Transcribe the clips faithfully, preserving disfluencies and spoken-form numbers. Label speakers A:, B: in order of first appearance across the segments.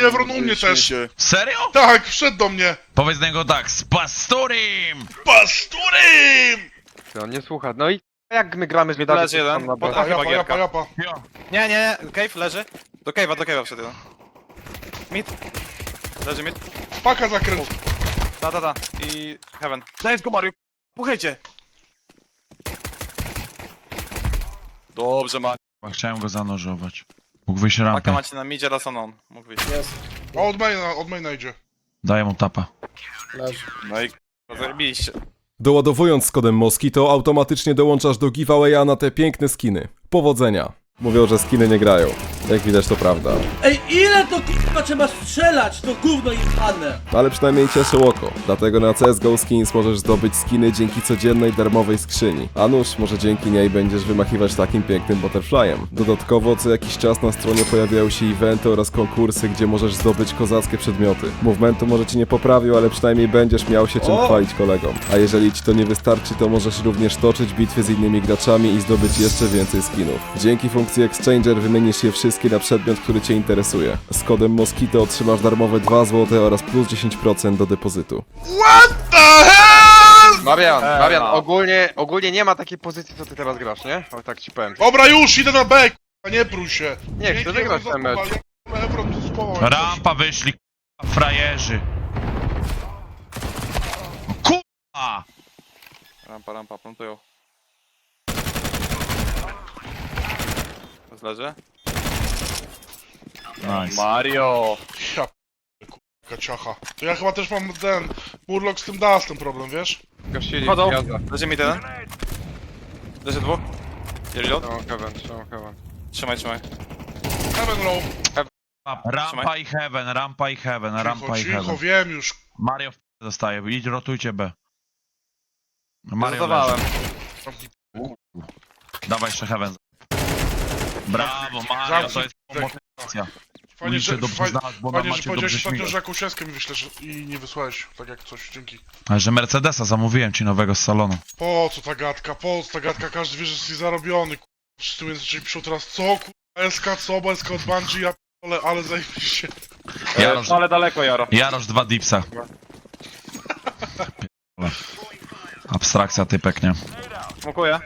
A: Evron u mnie też.
B: Serio?
A: Tak, wszedł do mnie.
B: Powiedz do niego tak, z pasturym!
A: Pasturym!
C: On nie słucha. No i jak my gramy z Wiedawem?
D: Leży jeden. Pod A chyba
A: Japa, japa,
D: gierka.
A: japa.
D: Nie, nie, nie. Cave leży. Do cave'a, do cave'a wszedł jeden. Mid. Leży mid.
A: Paka zakręt.
D: Ta, ta, ta. I heaven. Daj go Mario. Puchajcie. Dobrze, ma.
B: Chciałem go zanurzować. Mógł wyjść
D: Maka
B: rampę.
D: macie na midzie, raz on. Mógł wyjść.
A: A od maina, od maina idzie.
B: Daję mu tapa.
D: No i zajebiliście.
E: Doładowując z kodem Moskito automatycznie dołączasz do giveawaya na te piękne skiny. Powodzenia! Mówią, że skiny nie grają. Jak widać to prawda.
F: Ej, ile to k***a trzeba strzelać, to gówno jebane!
E: Ale przynajmniej cieszy oko. Dlatego na C S G O Skins możesz zdobyć skiny dzięki codziennej darmowej skrzyni. A nuż, może dzięki niej będziesz wymachiwać takim pięknym butterflyem. Dodatkowo co jakiś czas na stronie pojawiają się eventy oraz konkursy, gdzie możesz zdobyć kozackie przedmioty. Movementu może ci nie poprawił, ale przynajmniej będziesz miał się czym
F: O!
E: chwalić kolegom. A jeżeli ci to nie wystarczy, to możesz również toczyć bitwy z innymi graczami i zdobyć jeszcze więcej skinów. Dzięki funkcji Exchanger wymienisz je wszystkie na przedmiot, który cię interesuje. Z kodem Moskito otrzymasz darmowe dwa złote oraz plus dziesięć procent do depozytu.
A: What the hell?
C: Marian,
D: Eee,
C: Marian,
D: no.
C: ogólnie, ogólnie nie ma takiej pozycji, co ty teraz grasz, nie? O, tak ci powiem.
A: Dobra, już, idę na B, k***a, nie prój się.
C: Nie, chcę wygrać ten mecz.
A: Evron to spoko.
B: Rampa wyszli, k***a, frajerzy. K***a!
D: Rampa, rampa, plantują. Leży?
B: Nice.
D: Mario!
A: Ja p***, k***a, ciacha. To ja chyba też mam ten Murloc z tym Dustem problem, wiesz?
C: Gościli,
D: Chodzą.
C: jazda.
D: Leży mi jeden. Leży dwóch. Reload.
C: Trzymam heaven, trzymam heaven.
D: Trzymaj, trzymaj.
A: Heaven low.
B: Rampa i heaven, rampa i heaven, rampa
A: Cicho,
B: i
A: cicho,
B: heaven.
A: wiem już.
B: Mario w p- dostaje, idź rotujcie B. Mario
D: Zadawałem.
B: leży. Dawaj jeszcze heaven. Brawo Mario, to jest motywacja.
A: Fajnie,
B: Ulicy
A: że,
B: dobrze
A: fajnie,
B: znalazł, bo nam
A: fajnie, że
B: macie
A: powiedziałeś
B: dobrze
A: ostatnio,
B: śmigać.
A: że jakąś eskę mi wyślesz i nie wysłałeś. Tak jak coś, dzięki.
B: Ale że Mercedesa zamówiłem ci nowego z salonu.
A: Po co ta gadka, po co ta gadka, każdy wie, że jesteś zarobiony, k***a. Wszyscy mnie zaczęli piszą teraz, co k***a, S K, co, bo S K od Bungie, ja p***ole, ale zajebiście.
B: Jarosz,
D: Ale daleko, Jaro.
B: Jarosz dwa dipsa. Pierdolę. Abstrakcja typek, nie?
D: Smokuję.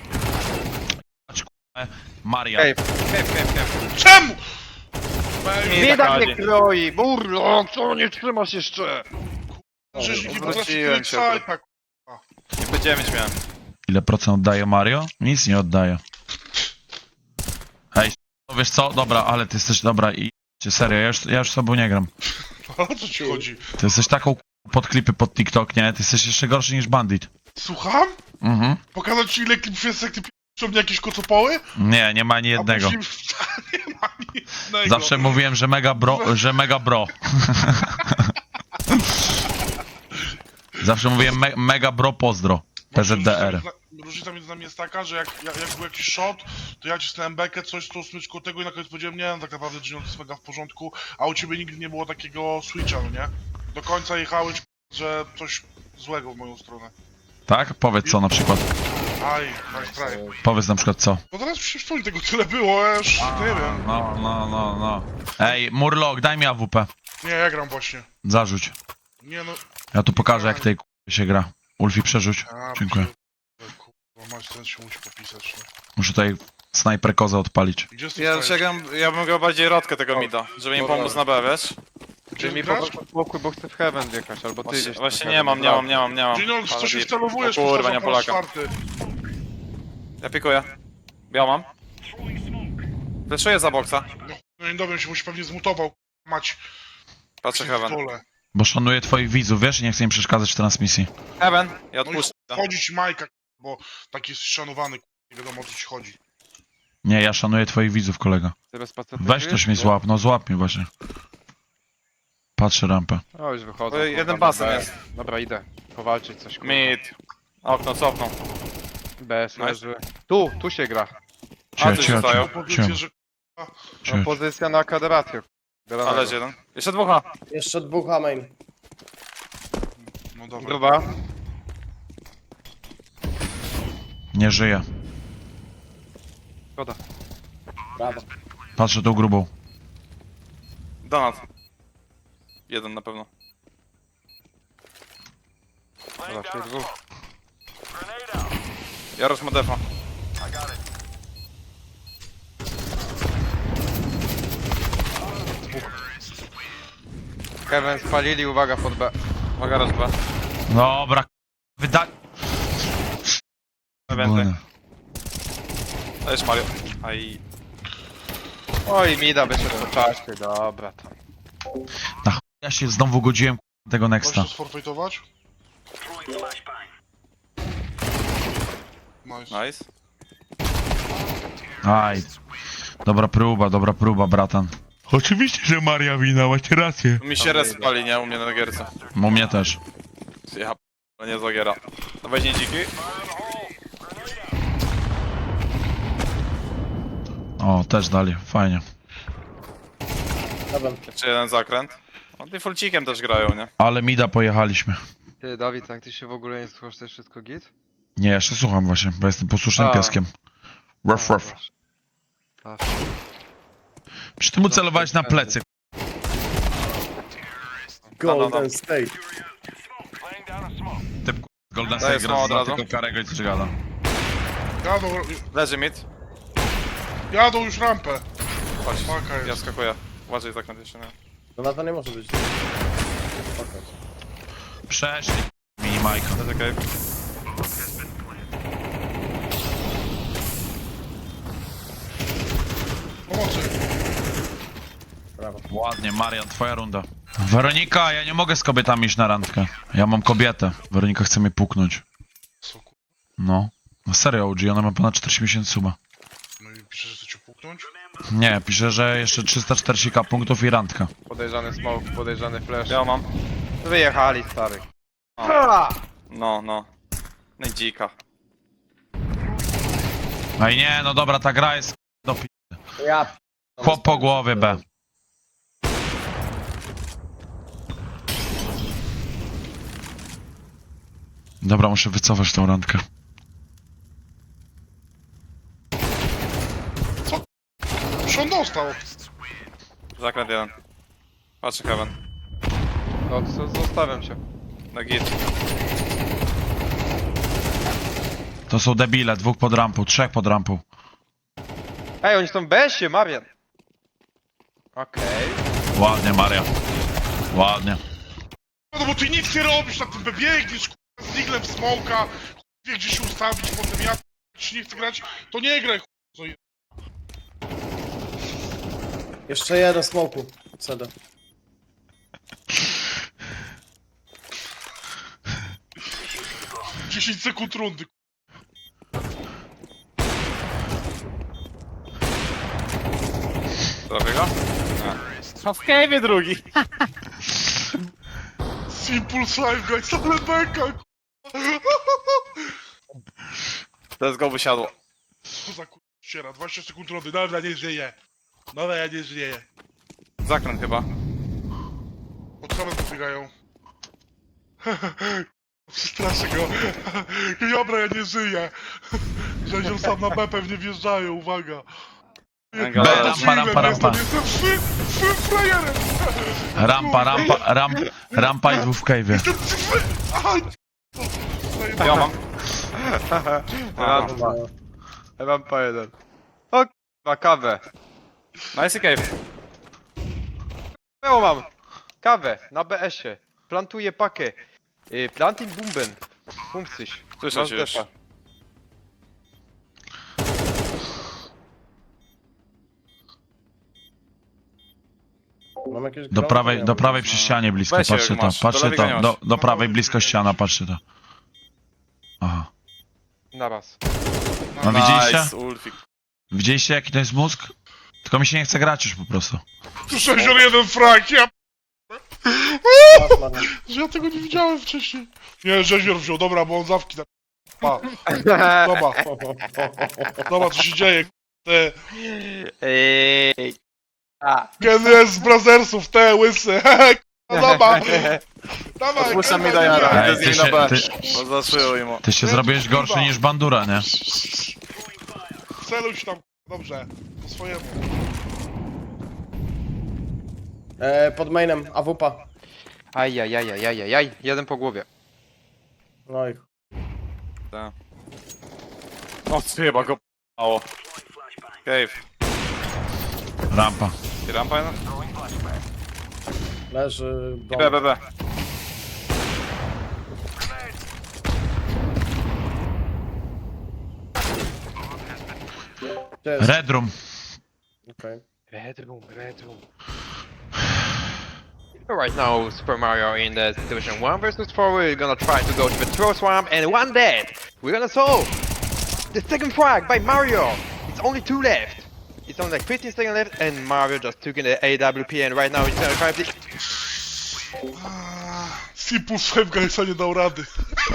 B: Maria.
C: Cave, cave, cave, cave.
A: Czemu?
C: Bieda mnie kroi, burlo, co nie trzymasz jeszcze?
A: Rzeźniki potrafi
D: Zwróciłem
A: kryć
D: się.
A: sajpa,
D: Niby dziewięć miałem.
B: Ile procent oddaje Mario? Nic nie oddaje. Hej, no wiesz co? Dobra, ale ty jesteś dobra i serio, ja już, ja już z tobą nie gram.
A: A o co ci chodzi?
B: Ty jesteś taką pod klipy pod TikTok, nie? Ty jesteś jeszcze gorszy niż Bandit.
A: Słucham?
B: Mhm.
A: Pokazać ci ile klipów jest, jak ty p***ą mnie jakieś kocopoły?
B: Nie, nie ma ani
A: A
B: jednego.
A: później- Nie ma ani jednego.
B: Zawsze mówiłem, że mega bro, że mega bro. Zawsze mówiłem me, mega bro pozdro. P Z D R.
A: Różnica między nami jest taka, że jak, jak, jak był jakiś shot, to ja cisnąłem bekę, coś tu smyczku tego i na koniec powiedziałem, nie, no tak naprawdę Gino to jest mega w porządku, a u ciebie nigdy nie było takiego switcha, no nie? Do końca jechałeś, że coś złego w moją stronę.
B: Tak? Powiedz co na przykład.
A: Aj, nice try.
B: Powiedz na przykład co.
A: No teraz się wspomnij, tego tyle było, ja już nie wiem.
B: No, no, no, no. Ej, Murloc, daj mi A W P.
A: Nie, ja gram właśnie.
B: Zarzuć.
A: Nie no...
B: Ja tu pokażę jak tej k***y się gra. Ulfi przerzuć.
A: A,
B: Dziękuję.
A: pierdolę, kurwa, mać, ten się musi popisać, no.
B: Muszę tutaj snajper kozę odpalić.
A: Gdzie jest tu
D: Ja,
A: stajesz?
D: ja, gram, ja bym grał bardziej rodkę tego mida, żeby im pomóc na B, wiesz?
A: Gdzie
C: Ty mi
A: grasz?
C: pomóż spokój, bo chcę w heaven wjechać, albo ty
D: Właśnie,
C: gdzieś tam
D: właśnie
C: w
D: nie
C: heaven.
D: mam, nie mam, nie mam, nie mam.
A: Gino, w co się
D: Ale-
A: wcelowujesz?
D: O kurwa,
A: Powtarzam
D: nie
A: po raz
D: Polaka.
A: czwarty.
D: Ja pikuję. Ja mam. Fleszuję za boksa.
A: No i dowiem się, musi pewnie zmutował, mać.
D: Patrzę heaven.
A: Pierdolę.
B: Bo szanuję twoich widzów, wiesz? I nie chcę im przeszkadzać w transmisji.
D: Heaven, ja
A: No i
D: odpuszczę.
A: chodzi ci Majka, bo taki jest szanowany, nie wiadomo o co ci chodzi.
B: Nie, ja szanuję twoich widzów, kolega.
C: Ty bez pacetu
B: Weź
C: czujesz?
B: też mnie złap, no złap mnie właśnie. Patrzę rampę.
C: O, już wychodzę.
D: Oj, jeden basen jest.
C: Dobra, idę. Powalczyć coś, kurwa.
D: Mid. Okno, cofną.
C: B S
D: Nice.
C: leży. Tu, tu się gra.
D: A,
B: Cio,
D: coś
B: cio,
D: zostają.
B: cio,
A: Powiedzcie,
B: cio,
A: że
B: cio.
C: No, pozycja na kaderatio.
D: A leży jeden. Jeszcze dwóch A.
F: Jeszcze dwóch A main.
A: no dobra.
C: Gruba.
B: Nie żyje.
C: Szkoda.
F: Brawo.
B: Patrzę tą grubą.
D: Donat. Jeden na pewno.
C: Raczej dwóch.
D: Jarosz ma defa.
C: Kevin spalili, uwaga pod B.
D: Uwaga, raz, dwa.
B: Dobra, wyda...
D: Więcej. To jest Mario. Aj.
C: Oj, mida wyszedł po czasie, dobra tam.
B: Na chuj ja się znowu godziłem k***a, tego Nexta.
A: Możesz sforfejtować? Nice.
D: Nice.
B: Aj. Dobra próba, dobra próba, bratan. Oczywiście, że Maria wina, macie rację.
D: Mi się res pali, nie? U mnie na gierce.
B: U mnie też.
D: Ja p***, nie zagiera. To weź dziki.
B: O, też dali, fajnie.
D: Jeszcze jeden zakręt. No ty fulcikiem też grają, nie?
B: Ale mida pojechaliśmy.
C: Ty, Dawid, jak ty się w ogóle nie słuchasz, to jest wszystko git?
B: Nie, jeszcze słucham właśnie, bo jestem posłusznym
C: A.
B: pieskiem. Ruff, ruff.
C: A,
B: Przy tym celowałeś na plecy.
G: Golden State.
B: Typ k***, Golden
D: Daję
B: State
D: smoła
B: gra
D: od
B: za
D: razu.
B: tylko karego i co gada.
A: Jadą,
D: Leży mid.
A: jadą już rampę.
D: Chodź.
A: Paka
D: Ja
A: jest.
D: skakuję. Uważaj zakręt jeszcze, nie?
G: No na to nie może być.
B: Przeszli mini Majka.
D: Leży cave.
A: Pomocy.
G: Brawo.
B: Ładnie, Marian, twoja runda. Weronika, ja nie mogę z kobietami iść na randkę. Ja mam kobietę. Weronika chce mnie puknąć.
A: Co ku...
B: No. No serio, O G, ona ma ponad czterdzieści miesięcy suba.
A: No i pisze, że chce cię puknąć?
B: Nie, pisze, że jeszcze trzysta czterdzieści ka punktów i randka.
C: podejrzany smoke, podejrzany flash.
D: Ja mam.
C: Wyjechali, stary.
D: No, no. No i dzika.
B: No i nie, no dobra, ta gra jest do pi...
G: Ja.
B: Chłop po głowie, B. Dobra, muszę wycofać tą randkę.
A: Już on dostał.
D: Zakręt jeden. Patrzę Kevin.
C: No, co, zostawiam cię.
D: Na git.
B: To są debile, dwóch pod rampą, trzech pod rampą.
C: Ej, oni są w besie, Marian. Okej.
B: Ładnie, Maria. Ładnie.
A: No bo ty nic nie robisz na tym, biegniesz k***a, z diglem w smoka, wie gdzie się ustawić, potem ja ci nie chcę grać, to nie graj k***a.
G: Jeszcze jeden smoku. C D.
A: dziesięć sekund rundy.
D: Trafię go? A w cave'ie drugi.
A: Impulse Life guys, ale beka k***a.
D: Let's go wysiadło.
A: Co za k***a, dwadzieścia sekund rundy, dobra, nie żyję. Dobra, ja nie żyję.
D: Zakręt chyba.
A: Od samego pobiegają. Przestraszę go. Dobra, ja nie żyję. Rzezią sam na B pewnie wjeżdżają, uwaga.
D: Węgla,
B: B,
D: leży.
B: rampa, rampa, rampa.
A: Jestem fry, fry frajerem.
B: Rampa, rampa, ramp, rampa i dwóch w cave'ie.
A: Jestem fry. Aha.
D: Ja mam.
C: Ja, ja mam po jeden. O k***a, kawę.
D: Nice cave.
C: Ja mam. Kawę, na B S-ie. Plantuję pakę. Y, planting bumben. Punkcyś.
D: Słyszę cię już.
G: Mam jakieś
B: Do
G: grą?
B: prawej,
G: Nie
B: do
G: mam.
B: prawej przy ścianie blisko,
D: Weź,
B: patrzcie
D: jak
B: to,
D: masz.
B: patrzcie
D: Do lewego
B: to,
D: nie
B: do,
D: masz.
B: do prawej blisko ściana, patrzcie to. Aha.
C: Na raz.
B: No widzieliście?
D: Nice, Ulfik.
B: Widzieliście jaki to jest mózg? Tylko mi się nie chce grać już po prostu.
A: Tu sześćdziesiąt jeden frank, ja...
G: Masz, Marian.
A: Że ja tego nie widziałem wcześniej. Nie, rzeźbior wziął, dobra, bo on zawki na... Pa. Dobra, dobra, co się dzieje, te...
C: Ej. A.
A: Gen z Brazersów, te łysy, no dobra. Dawaj,
D: Odpuszczam mi
A: kurwa,
D: Dajana.
A: nie.
B: Ej,
D: Idę
B: ty
D: z nim
B: się,
D: na B.
B: ty,
D: Bo zaszyją im.
B: ty się zrobiłeś gorszy niż Bandura, nie?
A: Celuj się tam, dobrze, po swojemu.
G: E, pod mainem, A W P.
C: Ajajajajajaj, jeden po głowie.
G: No i
D: Tak. O, ty chyba go p***ało. Cave.
B: Rampa.
D: I rampa jedna?
G: leży
D: I
G: dom.
D: B, B, B.
G: Gdzie jest?
B: Red room.
G: Okej.
C: Red room, red room. Right now, Super Mario in the Division one versus four, we're gonna try to go to the throw swamp and one dead. We're gonna solve the second frag by Mario. It's only two left. It's only like fifteen seconds left and Mario just took in the A W P and right now he's gonna try to...
A: Sipus w Guysa nie dał rady.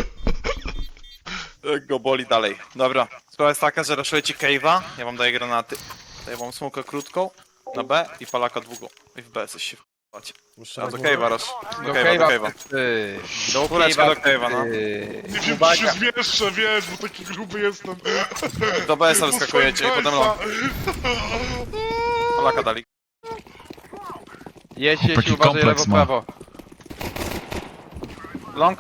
D: Go boli dalej. Dobra. Sprawa jest taka, że raszuję ci Cave'a. Ja wam daję granaty. Daję wam smokę krótką na B i palaka długą. I w B jesteś się w***ać.
G: Jeszcze
D: A
G: raz
D: do
G: mówię.
D: Cave'a rasz. Do
C: Do
D: Cave'a, do
C: Cave'a,
D: Cave'a.
C: ty. Do
D: Kuleczka do Cave'a, no.
C: ty.
A: Nie wiem, czy się zmieszczę, wiesz, bo taki gruby jestem.
D: Do B S a wyskakujecie i potem long. Palaka dali.
C: Jedź, jedź,
B: Chłopaki,
C: uważaj lewo,
B: kompleks ma.
C: prawo.
D: Long?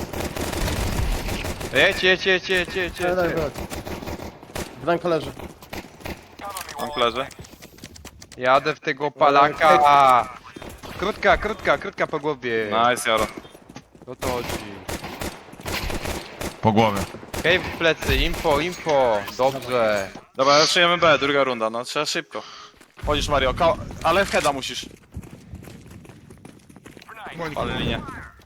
C: Jedź, jedź, jedź, jedź, jedź,
G: Daj, daj,
C: jedź.
G: daj. Blanko leży.
D: Long leży.
C: Jadę w tego palaka. Krótka, krótka, krótka po głowie.
D: Nice, Jaro.
C: O to chodzi.
B: Po głowie.
C: Cave w plecy, info, info. Dobrze.
D: Dobra, raszujemy B, druga runda, no trzeba szybko. Chodzisz Mario, Ka ale w heada musisz. Ale linię.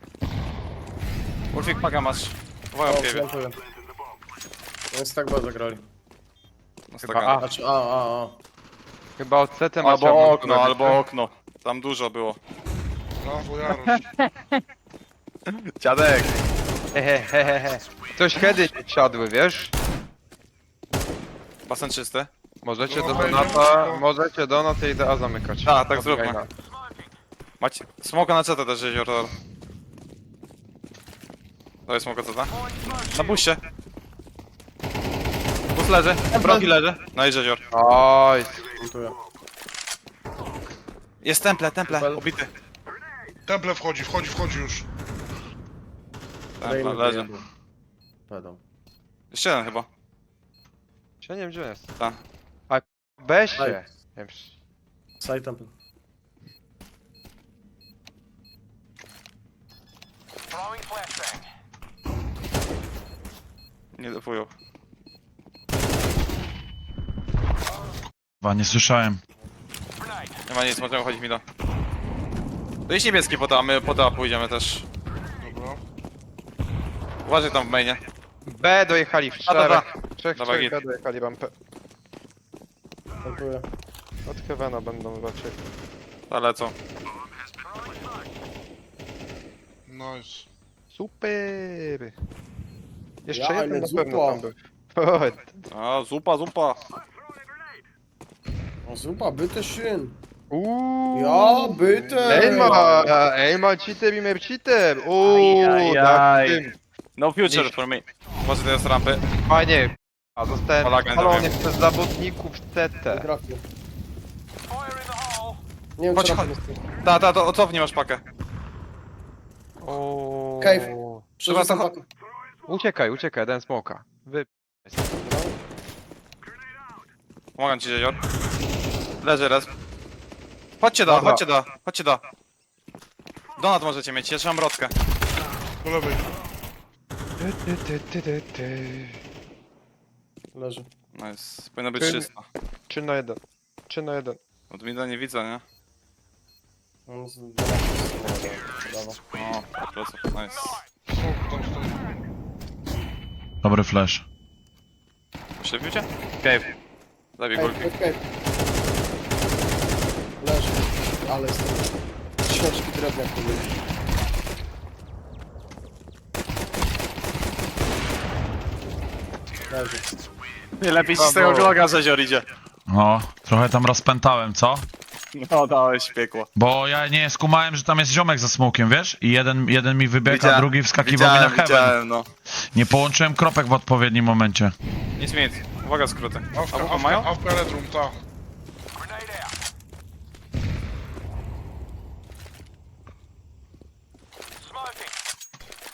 D: Ulfik paga masz. Uwaga
G: O,
D: w Cave'ie.
G: plantuję. Więc tak bardzo grali.
D: No
C: Chyba
D: staka.
C: A.
G: Znaczy, a, a, a.
C: Chyba od setem
D: Albo okno, albo okno. Tam dużo było.
A: Brawo, Jarosz.
D: Dziadek.
C: Hehehehe. Coś heady nie siadły, wiesz?
D: Basen czysty.
C: Możecie
A: No,
C: do
A: wejdziemy
C: Donata,
A: szybko.
C: możecie Donata i A zamykać.
D: Tak, tak
C: Od
D: zróbmy.
C: Gaina.
D: Macie. Smoka na C T też jezioro. To jest smoka C T. Na buście. Bus leży. Brogi leży. No i jezior.
C: Oj,
G: Plantuję.
D: Jest temple, temple.
G: Super.
D: Ubity.
A: Temple wchodzi, wchodzi, wchodzi już.
D: Temple
G: Dajmy
D: leży.
G: wyjebu. Pedał.
D: Jeszcze jeden chyba.
C: ja nie wiem gdzie on jest.
D: Tak.
C: Weź
G: Daj.
C: się. Nie wiem,
G: Side temple.
D: Nie dofują.
B: Chyba nie słyszałem.
D: Nie ma nic, możemy chodzić mi do. To jest niebieski poda, a my poda pójdziemy też.
A: Dobra.
D: Uważaj tam w mainie.
C: B dojechali w
D: A, dobra.
C: czterech. Trzech,
D: Dawaj,
C: trzech
D: git.
C: B dojechali rampę.
G: Plantuję.
C: Od Heavena będą raczej.
D: Ale co?
A: Nice.
C: Super! Jeszcze
G: Ja,
C: jeden
G: ale
C: na pewno
G: zupa.
C: tam był. Oj,
D: A, zupa, zupa.
G: O, zupa, bitte schön.
C: Uuu.
G: Ja, bitte.
C: Ej ma, ej ma cheater i mer cheater. Uuu,
D: Ajajaj.
C: na tym.
D: No future
C: Niż-
D: for me. Może teraz rampy.
C: Fajnie. A zostałem
D: Polakiem
C: spalony
D: zrobię.
C: przez zawodników C
G: Nie
C: T.
G: trafię. Nie wiem,
D: Chodź,
G: czy
D: chodź.
G: rampę jest.
D: Ta, ta, to cofnij masz pakę.
C: O.
G: Cave. Przerzucam
D: Dobra, to
G: pakę.
C: Uciekaj, uciekaj, ten smoka. Wy...
D: Pomagam ci, jezior. Leży raz. Chodźcie da,
C: Dobra.
D: chodźcie da, chodźcie da. Donat możecie mieć, ja trzymam rotkę.
A: Po lewej.
C: Ty, ty, ty, ty, ty.
G: Leży.
D: Nice, powinno być
C: Czym-
D: trzysta.
C: Trzy na jeden. Trzy na jeden.
D: Od mida nie widzę, nie?
G: On z... Brawo.
D: O, pleców, nice.
A: Smok tam stoi.
B: Dobry flash.
D: Przebił cię? Cave. Zabij
G: Cave,
D: górki.
G: cave, cave. Leży. Ale jest... Ciężki drewniak tu był. Leży.
D: Nie lepiej ci z
C: Brawo.
D: tego gloga, że jezior idzie.
B: No, trochę tam rozpętałem, co?
D: No, dałeś piekło.
B: Bo ja nie skumałem, że tam jest ziomek za smokiem, wiesz? I jeden, jeden mi wybiega,
D: Widziałem-
B: drugi wskakiwał mi na
D: Widziałem,
B: heaven.
D: widziałem, no.
B: Nie połączyłem kropek w odpowiednim momencie.
D: Nic, nic. Uwaga, skróty.
A: Awka,
D: A mają?
A: awka, awka red room, ta.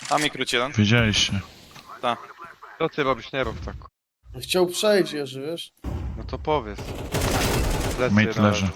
D: A mi króci jeden.
B: Wiedzieliście.
C: Co ty robisz? Nie rób tak.
G: Chciał przejść, Jerzy, wiesz?
C: No to powiedz. Plecy
B: Mate
C: jeden
B: leży.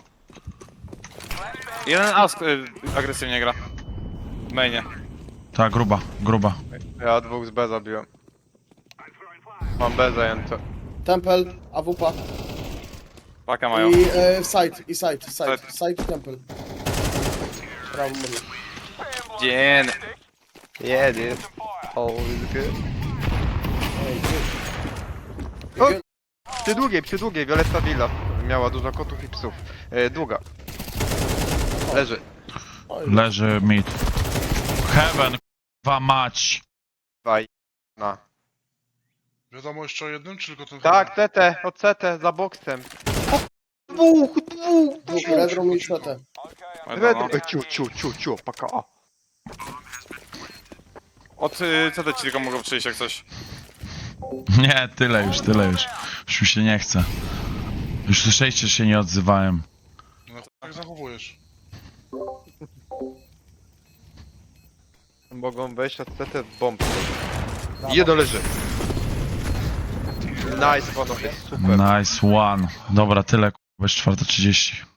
D: Jeden ask y, agresywnie gra. W mainie.
B: Ta, gruba, gruba.
C: Ja dwóch z B zabiłem. Mam B zajęte.
G: Temple, A W P.
D: Paka mają.
G: I e, side, i side, side, side i temple. Brawo, mówię.
D: Dzień.
C: Yeah, dude. All is good.
G: Ej, ty.
C: O! Przy długiej, przy długiej, Violetta Villa. Miała dużo kotów i psów. E, długa. Leży.
G: Oj,
B: Leży mid. Heaven, k***wa mać.
C: Dwaj. Na.
A: Wiadomo jeszcze o jednym, czy tylko ten
C: Tak, C T, od C T, za boksem. O, dwóch, dwóch,
G: dwóch,
C: dwóch.
G: Red Room i C T.
C: Red,
D: No.
C: e, ciu, ciu, ciu, ciu, paka A.
D: Od y, co te ci tylko mogą przyjść jak coś.
B: Nie, tyle już, tyle już. Już mi się nie chce. Już słyszeliście, że się nie odzywałem.
A: No, jak zachowujesz?
C: Mogą wejść od C T w bombę. Jeden leży. Nice, panowie, super.
B: Nice one. Dobra, tyle, k***a, jest czwarta trzydzieści.